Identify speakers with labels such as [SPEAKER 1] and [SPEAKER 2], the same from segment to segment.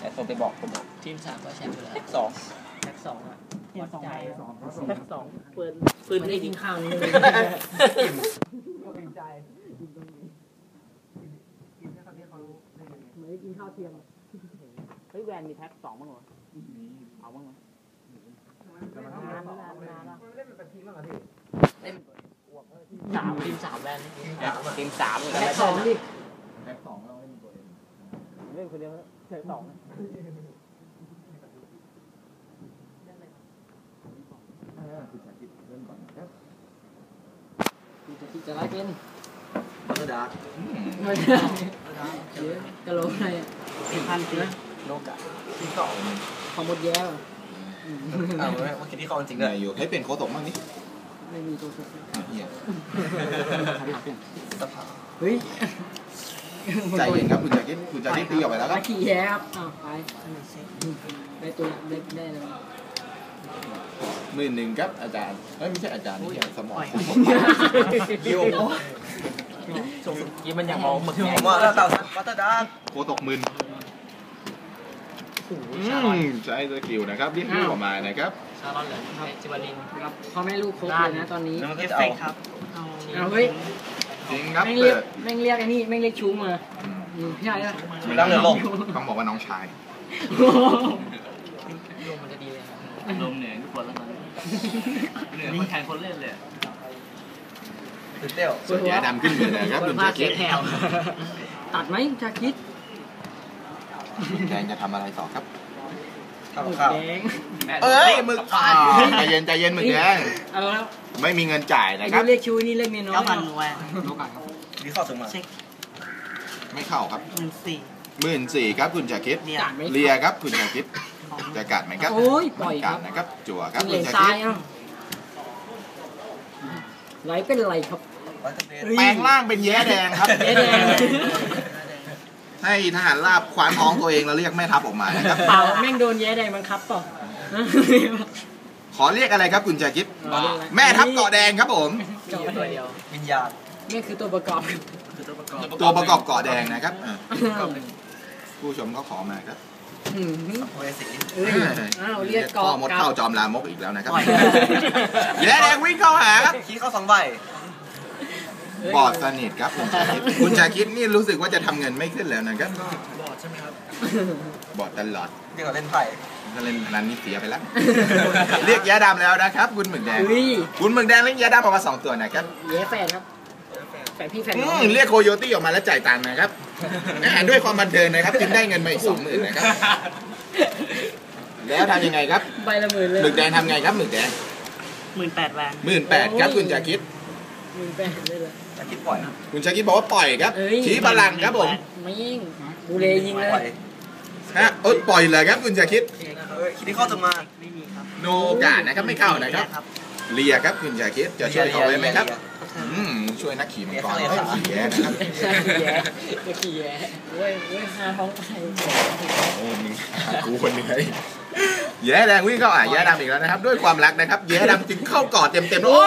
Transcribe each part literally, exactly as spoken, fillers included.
[SPEAKER 1] แต่ส่งไปบอกผม
[SPEAKER 2] ทีมสามก็แชมป์ไปแล้ว
[SPEAKER 1] แท็กสอง
[SPEAKER 2] แท็กสองอ่ะวัดใจ
[SPEAKER 3] แท็กสองปืนปืนไม่ได้กินข้าวนี่เลยกินใจกินตรงนี้กินแค่ตอนที่เขาไม่ได้กินข้าวเที่ยงเฮ้ยแวนมีแท็กสองบ้างเหรอเอาบ้างเหรอ
[SPEAKER 2] นา
[SPEAKER 3] น
[SPEAKER 2] นนานนานแล้ว
[SPEAKER 3] เล่นเป็นทีมบ้างเหรอพี่
[SPEAKER 2] เล่นสามทีมสามแวน
[SPEAKER 1] ทีมสาม
[SPEAKER 3] แท็กสองดิแท็กสองเราเล่นตัวเองเล่นคนเดียวแท็กสองคุณจะคิดเริ่มก่อนครับคุณจะคิดจะไล่เป็น
[SPEAKER 1] พัฒนา
[SPEAKER 3] ไม่ได้กะโหลกอะไรอ่ะพันปี
[SPEAKER 1] โลกะที่สอง
[SPEAKER 3] ของหมดแย่ว่ะ
[SPEAKER 1] เอาไว้ว่าคิดที่เขาจริงเลย
[SPEAKER 4] อยู่ให้เป็นโค้ดตกมั่งนี่
[SPEAKER 3] ไม่มีตัวสุด
[SPEAKER 4] เหี้ย
[SPEAKER 1] สภา
[SPEAKER 3] เฮ้ย
[SPEAKER 4] ใจเย็นครับคุณจะคิดคุณจะคิดตีออกไปแล้วครับ
[SPEAKER 3] ขี่แย่ครับอ้าวไปได้ตัวได้ได้เลย
[SPEAKER 4] หมื่นหนึ่งครับอาจารย์ไม่ใช่อาจารย์นี่สมอง
[SPEAKER 1] ยิวส่งยิวมันอย่างมองหมึกผมว่าแล้วเต่าพัฒนา
[SPEAKER 4] โคตกหมื่นใช้สกิลนะครับเรียกลูกออกมานะครับ
[SPEAKER 2] ชาลอนเหรอครับจิวาลิน
[SPEAKER 3] ครับพ่อแม่ลูกครบเลยนะตอนนี้
[SPEAKER 1] เอฟเฟกครับ
[SPEAKER 3] เอาเฮ้ย
[SPEAKER 4] จริงครับ
[SPEAKER 3] แม่งเรียกแม่งเรียกไอ้นี่แม่งเรียกชูมาพี่ใหญ่ละ
[SPEAKER 1] ตั้งเรือลง
[SPEAKER 4] ต้องบอกว่าน้องชาย
[SPEAKER 2] ลมมันจะดีเลยครับลมเหนื่อยทุกคนแล้วมันเหนื่อยคนแทนคนเล่นเลย
[SPEAKER 1] ตื่นเต้น
[SPEAKER 4] ส่วนยาดำขึ้นเลยนะครับคุณชาคิด
[SPEAKER 3] ตัดไหมชาคิด
[SPEAKER 4] แดงจะทำอะไรต่อครับ
[SPEAKER 1] ข้าวข้าว
[SPEAKER 4] เอ้ยมึกใจเย็นใจเย็นมึกแดง
[SPEAKER 3] เอาแล้ว
[SPEAKER 4] ไม่มีเงินจ่ายนะครับ
[SPEAKER 3] เรียกชูนี่เรียกเมียน้อย
[SPEAKER 2] เก้าพันแหวน
[SPEAKER 1] โลกาครับนี่เข้าถึงมา
[SPEAKER 2] เช็ค
[SPEAKER 4] ไม่เข้าครับ
[SPEAKER 2] หมื่นสี่
[SPEAKER 4] หมื่นสี่ครับคุณชาคิดเลียครับคุณชาคิดจะกัดไหมครับ
[SPEAKER 3] โอ้ยปล่อย
[SPEAKER 4] กัดนะครับจั่วครับ
[SPEAKER 3] คุณชาคิดไหลเป็นไรครับ
[SPEAKER 4] แปลงร่างเป็นแย้แดงครับ
[SPEAKER 3] แย้แดง
[SPEAKER 4] ให้ทหารราบคว้านท้องตัวเองแล้วเรียกแม่ทัพออกมานะครับ
[SPEAKER 3] เปล่าแม่งโดนแย้แดงบังคับป่ะ
[SPEAKER 4] ขอเรียกอะไรครับคุณชาคิดแม่ทัพเกาะแดงครับผม
[SPEAKER 2] ตัวเดียว
[SPEAKER 1] วิญญาณ
[SPEAKER 3] นี่คือตัวประกอบ
[SPEAKER 1] คือตัวประกอบ
[SPEAKER 4] ตัวประกอบเกาะแดงนะครับผู้ชมเขาขอมาครับ
[SPEAKER 1] โอ้ยสิ
[SPEAKER 3] อ้าวเรียกเกาะ
[SPEAKER 4] มดเข้าจอมลามกอีกแล้วนะครับแย้แดงวิ่งเข้าหาครับ
[SPEAKER 1] ขี้เข้าสองใ
[SPEAKER 4] บบอดสนิทครับคุณชาคิดคุณชาคิดนี่รู้สึกว่าจะทำเงินไม่ขึ้นแล้วนะครับ
[SPEAKER 1] บอดใช่ไหมครับ
[SPEAKER 4] บอดตลอด
[SPEAKER 1] เดี๋ยวเล่นไพ่
[SPEAKER 4] ถ้าเล่นนันนี้เสียไปแล้วเรียกแย้ดำแล้วนะครับคุณหมึกแดงคุณหมึกแดงเรียกแย้ดำออกมาสองตัวนะครับ
[SPEAKER 3] แย้แฝดครับแฝดพี่แฝดน้อง
[SPEAKER 4] เรียกโคโยตี้ออกมาแล้วจ่ายตังค์นะครับด้วยความบันเทิงนะครับจึงได้เงินมาอีกสองหมื่นนะครับแล้วทำยังไงครับ
[SPEAKER 3] ใบละหมื่นเลย
[SPEAKER 4] หมึกแดงทำไงครับหมึกแดง
[SPEAKER 2] หมื่นแปดแวน
[SPEAKER 4] หมื่นแปดครับคุณชาคิด
[SPEAKER 3] หมื่นแปดเลยเหรอ
[SPEAKER 1] ชาคิดปล่อย
[SPEAKER 4] คุณชาคิดบอกว่าปล่อยครับชี้พลังครับผม
[SPEAKER 3] ไม่ยิงบูเลยิงเลย
[SPEAKER 4] ฮะเออปล่อยเลยครับคุณชาคิด
[SPEAKER 1] คิดที่เข้าจะมา
[SPEAKER 2] ไม่มีครับ
[SPEAKER 4] โนกาดนะครับไม่เข้านะครับเลียครับคุณชาคิดจะช่วยเขาไว้ไหมครับช่วยนักขี่มังกรขี่แย่นะครับ
[SPEAKER 3] ขี่แย่ขี่แย่เว้ยเว้ยหาท้องไป
[SPEAKER 4] โอ้มึงกูคนนี้แย่แดงวิ่งเข้าอ่ะแย่ดำอีกแล้วนะครับด้วยความรักนะครับแย่ดำจึงเข้ากอดเต็มเต็มโอ้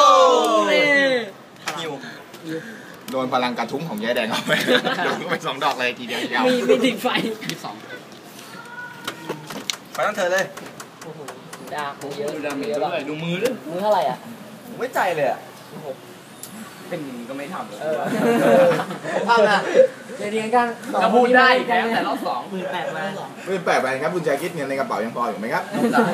[SPEAKER 1] หิว
[SPEAKER 4] โดนพลังกระทุ้งของแย่แดงเข้าไปโดนไปสองดอกเลยทีเดียวยาว
[SPEAKER 3] มีมีติดไฟ
[SPEAKER 2] ยี่สิบสอง
[SPEAKER 1] ไปตั้งเธอเลย
[SPEAKER 3] โอ้โหดาเยอะ
[SPEAKER 2] ดาเยอะเลยดูมือด้วย
[SPEAKER 3] มือเท่าไหร่อ่ะ
[SPEAKER 1] ไม่ใจเลยอ่ะ
[SPEAKER 2] เป็นก็ไม่ทำเลย
[SPEAKER 1] ทำอ่ะ
[SPEAKER 3] เดี๋ยวเรียนกัน
[SPEAKER 2] จะพูดได้แค่แต่รอบสองหมื่นแปดไป
[SPEAKER 4] หมื่นแปดไปครับคุณชาคิดเงินในกระเป๋ายังพออยู่ไหมครับ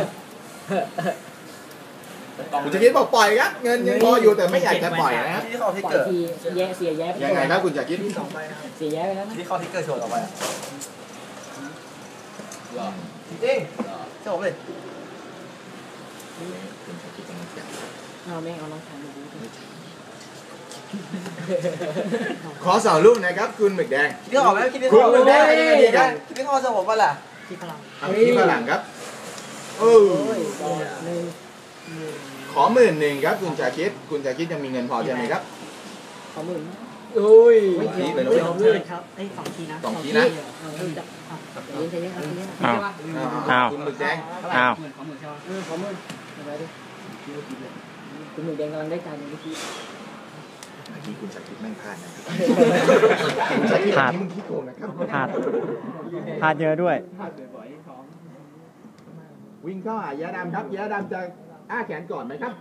[SPEAKER 4] คุณชาคิดบอกปล่อยครับเงินยังพออยู่แต่ไม่อยากจะปล่อยนะครับ
[SPEAKER 1] ที่เขาที่เกิด
[SPEAKER 3] แย่เสียแย่ไป
[SPEAKER 4] ยังไงครับคุณชาคิด
[SPEAKER 3] เสียแย่ไปแล้วนะ
[SPEAKER 1] ที่เขาที่เกิดโชว์ต่อไปจริงเจ้าผมเลย
[SPEAKER 3] เอาแม่เอาน้องชายมาดู
[SPEAKER 4] ขอสาวลูกนะครับคุณหมึกแดง
[SPEAKER 1] คิดออกไหมคิดไม่ออกคุณหมึกแดงยังไงดีครับคิดไม่ออกจะบอกว่าล่ะ
[SPEAKER 3] คิดพลัง
[SPEAKER 4] คิดพลังครับเออขอหมื่นหนึ่งครับคุณชาคิดคุณชาคิดยังมีเงินพอใช่ไหมครับ
[SPEAKER 3] ขอหมื่นโอ้ย
[SPEAKER 4] ไม่ที
[SPEAKER 3] ไป
[SPEAKER 4] แล้ว
[SPEAKER 3] เลยครับไอ้สองทีนะ
[SPEAKER 4] สองทีนะ
[SPEAKER 3] อ้าว
[SPEAKER 4] อ้าวคุณหมึกแดง
[SPEAKER 3] อ้าวขอหมื่นใช่ไหมขอหมื่นอะไรดิคุณหมึกแดงกำลังได้ใจเมื่อกี้
[SPEAKER 4] เมื่อกี้คุณชาคิดแม่งพลาดนะครับคุณชาคิดนี่มึงขี้โกงนะครับ
[SPEAKER 3] พลาดพลาดเยอะด้วย
[SPEAKER 4] วิ่งเข้าหาแย้ดำครับแย้ดำจะอ้าแขนก่อนไหมครับ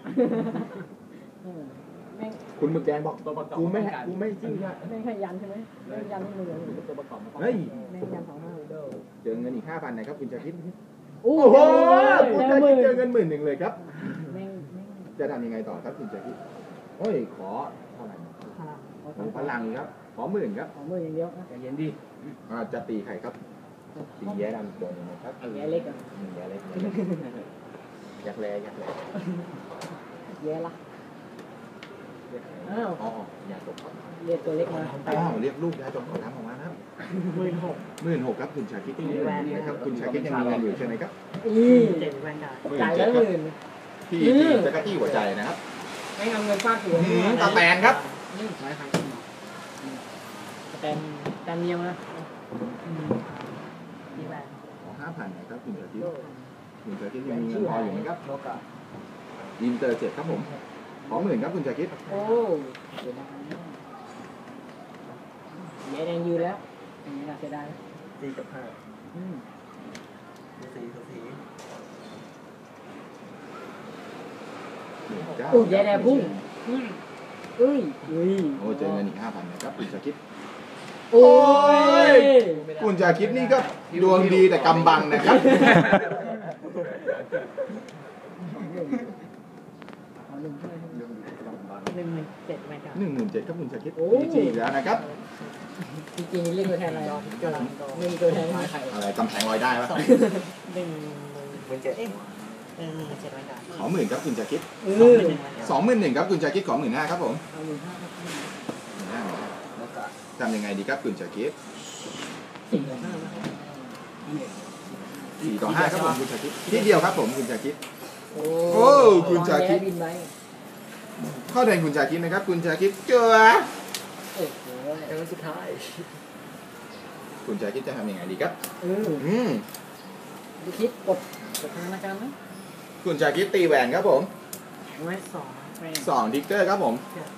[SPEAKER 4] คุณหมึกแดงบอกกูไม่กูไม่จริงอะ
[SPEAKER 3] แม่งให้ยันใช่ไหมแม่งยันนี่มือตัวประกอบ
[SPEAKER 4] เฮ้ย
[SPEAKER 3] แม่งยันสองห้า
[SPEAKER 4] เจอเงินอีกห้าพันนะครับคุณชาคิด
[SPEAKER 3] โอ้
[SPEAKER 4] โอ้โห
[SPEAKER 3] โห
[SPEAKER 4] คุณชาคิดเจอเงินหมื่นหนึ่งเลยครับ
[SPEAKER 3] แม่งแม่ง
[SPEAKER 4] จะทำยังไงต่อครับคุณชาคิดโอ้ยขอเท่าไหร่
[SPEAKER 3] พลัง
[SPEAKER 4] ขอพลังครับขอหมื่นครับ
[SPEAKER 3] ของมืออย่างเดียวนะ
[SPEAKER 1] ใจเย็นดิ
[SPEAKER 4] อ่าจะตีใครครับตีแย้ดำโดนยังไงครับ
[SPEAKER 3] แย่เล็กอ่ะ
[SPEAKER 4] อืมแย้เล็กอยากแลอยากแล
[SPEAKER 3] แย่ละอ้าว
[SPEAKER 4] อ๋ออยากตกครับ
[SPEAKER 3] เรียกตัวเล็กมา
[SPEAKER 4] อ้าวเรียกลูกยายจงขอน้ำออกมานะครับ
[SPEAKER 3] หมื่นหก
[SPEAKER 4] หมื่นหกครับคุณชาคิดนะครับคุณชาคิดยังมีเงินอยู่ใช่ไหมครับ
[SPEAKER 3] อีเจ็ดแวนได้จ่ายแล้วหมื่น
[SPEAKER 4] ที่
[SPEAKER 3] อืม
[SPEAKER 4] จะกระตี้หัวใจนะครับ
[SPEAKER 3] ไม่เอาเงินฟาดหัว
[SPEAKER 4] อืมตาแตนครับ
[SPEAKER 3] นี่ไม่ใครขึ้นหรอแตนแตนเดียวนะดีแวน
[SPEAKER 4] ขอห้าพันนะครับคุณชาคิดคุณชาคิดยังมีเงินพออยู่ไหมครับอินเตอร์เจ็ดครับผมขอหมื่นครับคุณชาคิด
[SPEAKER 3] โอ้เสียดายแย่แดงยืนแล้วอย่างนี้น่าเสียดาย
[SPEAKER 1] สี่กับห้า
[SPEAKER 3] อืม
[SPEAKER 1] สี่กับสี่
[SPEAKER 3] โอ้แย่แดงพุ่งอืมเอ้ยอุ้ย
[SPEAKER 4] โอ้เจอเงินอีกห้าพันนะครับคุณชาคิด
[SPEAKER 3] โอ้ย
[SPEAKER 4] คุณชาคิดนี่ก็ดวงดีแต่กำบังนะครับ
[SPEAKER 3] ขอหนึ่งเท่าไหร่หนึ่งหนึ่งเจ็ดแวนการ์ด
[SPEAKER 4] หนึ่งหมื่นเจ็ดครับคุณชาคิด
[SPEAKER 3] โอ้
[SPEAKER 4] จริงแล้วนะครับ
[SPEAKER 3] จริงๆเรียกตัวแทนอะไรไม่มีตัวแทนไม่มีใคร
[SPEAKER 4] อะไรกำแพงลอยได้ปะ
[SPEAKER 3] หนึ่ง
[SPEAKER 1] หมื่นเจ็ดเอ๊ะเออเจ็ดแวนการ์ด
[SPEAKER 4] ขอหมื่นครับคุณชาคิด
[SPEAKER 3] เออ
[SPEAKER 4] สองหมื่นหนึ่งครับคุณชาคิดขอหมื่นห้าครับผม
[SPEAKER 3] เอาหนึ่งห้าครับ
[SPEAKER 4] หมื่นห้า
[SPEAKER 1] แล้วก็
[SPEAKER 4] ทำยังไงดีครับคุณชาคิด
[SPEAKER 3] สี่ต่อห้านะครับ
[SPEAKER 4] สี่ต่อห้าครับผมคุณชาคิดที่เดียวครับผมคุณชาคิด
[SPEAKER 3] โอ้
[SPEAKER 4] โอ้คุณชาคิด
[SPEAKER 3] บินไป
[SPEAKER 4] เข้าแทนคุณชาคิดนะครับคุณชาคิดเจอ
[SPEAKER 3] โอ้โห
[SPEAKER 1] เออสุดท้าย
[SPEAKER 4] คุณชาคิดจะทำยังไงดีครับ
[SPEAKER 3] เออ
[SPEAKER 4] อืม
[SPEAKER 3] ดูคิดกดกดธนาคารไหม
[SPEAKER 4] คุณชาคิดตีแหวนครับผม
[SPEAKER 3] ไม่สองไม่
[SPEAKER 4] สองดิกเตอร์ครับผม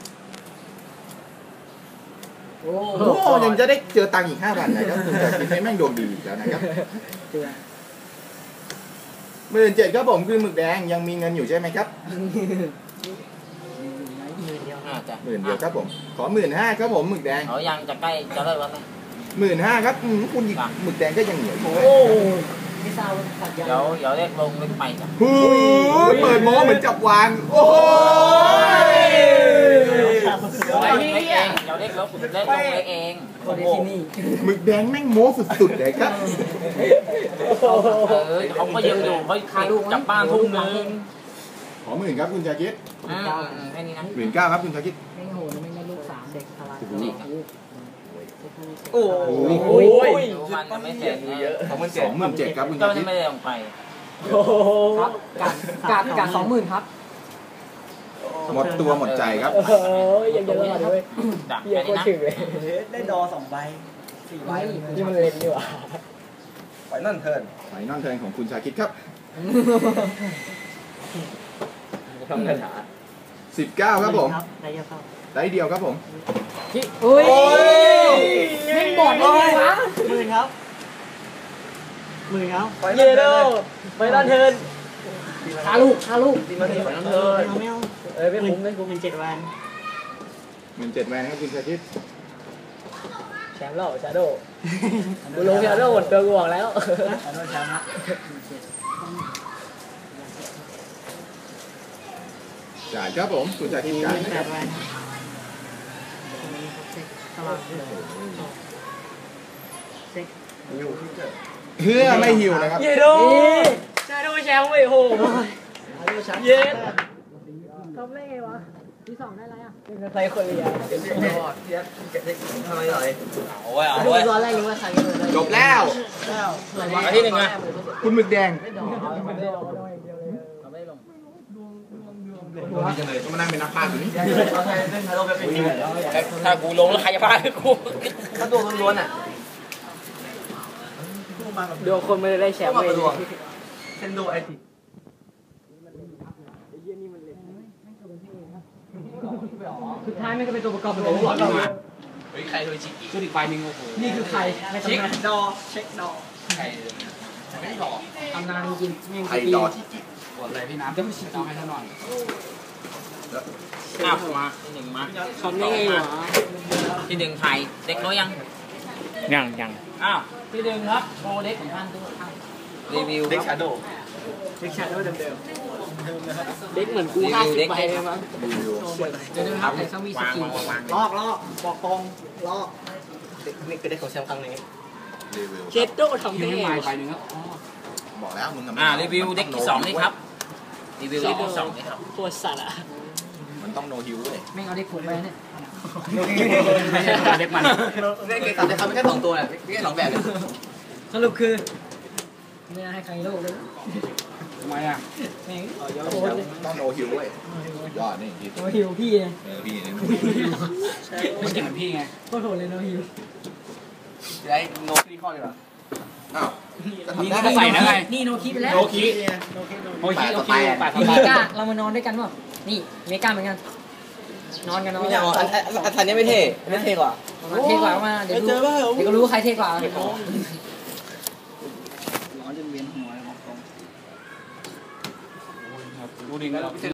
[SPEAKER 3] โอ้
[SPEAKER 4] โอ้ยังจะได้เจอตังค์อีกห้าพันนะครับคุณชาคิดให้แม่งดวงดีอีกแล้วนะครับ
[SPEAKER 3] เจือ
[SPEAKER 4] หมื่นเจ็ดครับผมคือหมึกแดงยังมีเงินอยู่ใช่ไหมครับ
[SPEAKER 1] หมื่นเดียว
[SPEAKER 2] อ่าจ้ะ
[SPEAKER 4] หมื่นเดียวครับผมขอหมื่นห้าครับผมหมึกแดง
[SPEAKER 2] เขายังจะใกล้จะเลิกแล้วไหม
[SPEAKER 4] หมื่นห้าครับอืมคุณอีกหมึกแดงก็ยังเหนียวอยู่
[SPEAKER 3] โอ้ไม่ทราบว่าขัดยัน
[SPEAKER 2] เดี๋ยวเดี๋ยวเรียกลงเรียกไปจ้ะ
[SPEAKER 4] หูยเปิดโม้เหมือนจับวางโอ้ย
[SPEAKER 2] เรียกเองเดี๋ยวเรียกลงเรียกลงเรียกเอง
[SPEAKER 3] คนที่นี่
[SPEAKER 4] หมึกแดงแม่งโม้สุดๆเลยครับ
[SPEAKER 2] เออเขาก็ยังอยู่เขาจับบ้านทุ่มนึง
[SPEAKER 4] ขอหมื่นครับคุณชาคิด
[SPEAKER 2] อ่าแค่นี้นะ
[SPEAKER 4] หมื่นเก้าครับคุณชาคิด
[SPEAKER 3] ไม่โหดไม่ได้ลูกสามเด็กอะไร
[SPEAKER 1] โอ้โห
[SPEAKER 4] โอ้ย
[SPEAKER 2] ดูมันยังไม่เสร็จนะ
[SPEAKER 1] เยอะสองหมื่น
[SPEAKER 4] ส
[SPEAKER 1] เจ็ด
[SPEAKER 4] องหมื่นเจ็ดครับคุณ
[SPEAKER 2] ก็
[SPEAKER 4] ชาคิด
[SPEAKER 2] ไม่ได้ลงไป
[SPEAKER 3] โอ้โหครับกาดกาดสองหมื่นครับ
[SPEAKER 4] หมดตัวหมดใจครับ
[SPEAKER 3] โอ้ยยังเยอะเลย
[SPEAKER 2] จ้ะ
[SPEAKER 3] เย
[SPEAKER 2] แค่
[SPEAKER 3] อะ
[SPEAKER 2] นี้นะ
[SPEAKER 3] ถึงเลย
[SPEAKER 1] ได้ดอสองใบสี่ใบ
[SPEAKER 3] นี่มันเล่นดีกว่า
[SPEAKER 1] ไฟนั่นเทิร์น
[SPEAKER 4] ไฟนอลเทิร์นของคุณชาคิดครับ
[SPEAKER 1] ทำกระถา
[SPEAKER 4] สิบเก้าครับผม
[SPEAKER 3] ได้เยอะเข้า
[SPEAKER 4] ได้เดียวครับผม
[SPEAKER 3] อุ้ย
[SPEAKER 4] โอ้ย
[SPEAKER 3] แม่งบอดได้ไงวะ
[SPEAKER 1] หมื่นครับหมื่นครับ
[SPEAKER 3] เยโดไปด้านเทินคาลูกคาลูก
[SPEAKER 1] ตีมาตีไฟนั่นเทิร์น
[SPEAKER 3] ไม่เอาเอ้ยไม่คุ้มไม่คุ้มเป็นเจ็ดวัน
[SPEAKER 4] หมื่นเจ็ดแวนครับคุณชาคิด
[SPEAKER 3] แชมป์แล้วชาโดกูลงชาโดหมดตัวกูบอกแล้วชาโดแชมป์ละ
[SPEAKER 4] จ่ายครับผมคุณชาคิดจ่ายนะ
[SPEAKER 3] แป
[SPEAKER 4] ครับ
[SPEAKER 3] ดวันตลาดเซ็ก
[SPEAKER 1] อยู่ที่เกิด
[SPEAKER 4] เพื่อไม่หิวนะครับ
[SPEAKER 3] เยโดชาโดแชมป์เว้ยโหเย็ดทำได้ไงวะที่สองได้ไรอ่ะเป็นใครคนเรียน
[SPEAKER 1] เจ็ดเจ็ดเจ็ดเจ็ดเจ็ดทำไมหน่อย
[SPEAKER 2] เอาไว้เอา
[SPEAKER 3] ดู
[SPEAKER 2] ไว้
[SPEAKER 3] ตอนแรกนึกว่าใคร
[SPEAKER 4] จบแล้ว
[SPEAKER 2] อันที่หนึ่งอะ
[SPEAKER 4] คุณหมึกแดง
[SPEAKER 2] เราไม่ได้ลง
[SPEAKER 4] ต้องมานั่งเป็นนักพากย์อยู่นี่
[SPEAKER 1] เราใช้เล่นไทโร่แบบเป็นอยู่แล้ว
[SPEAKER 2] ถ้ากูลงแล้วใครจะพากู
[SPEAKER 1] ถ้าตัวล้วนๆอ่ะ
[SPEAKER 3] ดูคนไม่ได้แชมป์เลย
[SPEAKER 1] เซนโดไอติ
[SPEAKER 3] ไอ้เยี่ยนี่มันเล่นไม่เคยเป็นพี่เองครับสุดท้ายไม่ก็เป็นตัวประกอบเป็นตัวหลอดมา
[SPEAKER 1] เฮ้ยใครโดยชิกิ
[SPEAKER 2] ชุดอีกใบหนึ่งโอ้โห
[SPEAKER 3] นี่คือใครใน
[SPEAKER 1] เช็ค
[SPEAKER 3] ตำนาน
[SPEAKER 1] ดอเช็คดอใครไม่ดอ
[SPEAKER 3] ตำนานจริงๆแม่ง
[SPEAKER 4] ไทย
[SPEAKER 3] ปี
[SPEAKER 4] ดอชิกิ
[SPEAKER 2] กดเลยพี่น้ำต้องชิต้องให้ท่านหน่อย
[SPEAKER 1] อ้าวมาที่หนึ่งมา
[SPEAKER 3] ทำได้ไงวะ
[SPEAKER 1] ที่หนึ่งไทยเด็กน้อยยัง
[SPEAKER 2] ยังยัง
[SPEAKER 1] อ้าวที่หนึ่งครับโชว์เด็กของท่านทุกท่านรีวิว
[SPEAKER 4] เด็ก
[SPEAKER 1] ครั
[SPEAKER 4] ชา
[SPEAKER 1] บ
[SPEAKER 4] โด
[SPEAKER 3] เด็กชาโดว์เดิมๆเด็กเหมือนกูห้าสิบใบเลยมั้ง
[SPEAKER 4] รีวิว
[SPEAKER 3] เดี๋ยวนะครับแต่ต้องมีส
[SPEAKER 1] วาง
[SPEAKER 3] กิล
[SPEAKER 1] วางวาง
[SPEAKER 3] ลอกลอกบอกตรงลอก
[SPEAKER 1] นี่คือเด็กของแชมป์ครั้งนี้
[SPEAKER 4] รีวิว
[SPEAKER 3] เจโดทำ
[SPEAKER 2] คิ
[SPEAKER 3] ได้
[SPEAKER 2] ว
[SPEAKER 3] ไง
[SPEAKER 2] ให้ใบ
[SPEAKER 3] วะ
[SPEAKER 2] หนึ่งครับ
[SPEAKER 4] บอกแล้วมึง
[SPEAKER 1] อ่ารีวิวเด็กที่สองนี่ครับรีวิวเด็กที่สองนี่ครับ
[SPEAKER 3] ตัวสัตว์อ่ะ
[SPEAKER 4] มันต้องโนฮิวเว้ย
[SPEAKER 3] แม่งเอาเด็กผมไปเนี่ย
[SPEAKER 2] ไม่ใช่เด็กมัน
[SPEAKER 1] เด็กเด็กสามเด็กครับไม่แค่สองตัวแหละไม่แค่สองแบบเลย
[SPEAKER 3] สรุปคือไม่น่าให้ใครโลกเลย
[SPEAKER 2] ทำไมอ่ะ
[SPEAKER 3] แม่งโคตรเลย
[SPEAKER 4] ต้องโนฮิวเว้ยยอดนี่คิด
[SPEAKER 3] โนฮิวพี่เลย
[SPEAKER 4] เออพี่นี่
[SPEAKER 2] ไม่เก่งเหมือนพี่ไง
[SPEAKER 3] โคตรโหดเลยโนฮิว
[SPEAKER 1] ได้โนคีข้อดีกว่า
[SPEAKER 4] อ้าว
[SPEAKER 2] นี่ก็ใส่แล้วไง
[SPEAKER 3] นี่โนคิไปแล้ว
[SPEAKER 2] โอคิโอคิโอคิแปด
[SPEAKER 3] เมกาเรามานอนด้วยกันป่ะนี่เมกาเหมือนกันนอนกันนอน
[SPEAKER 1] ไม่ใช่อันอันอันนี้ไม่เท่ไม่เท่กว่า
[SPEAKER 3] เท่กว่ามาเดี๋ยวดูเดี๋ยวก็รู้ใครเท่กว่า
[SPEAKER 2] ร้อนจนเวียนหัวเลยบอกตรงดูดิ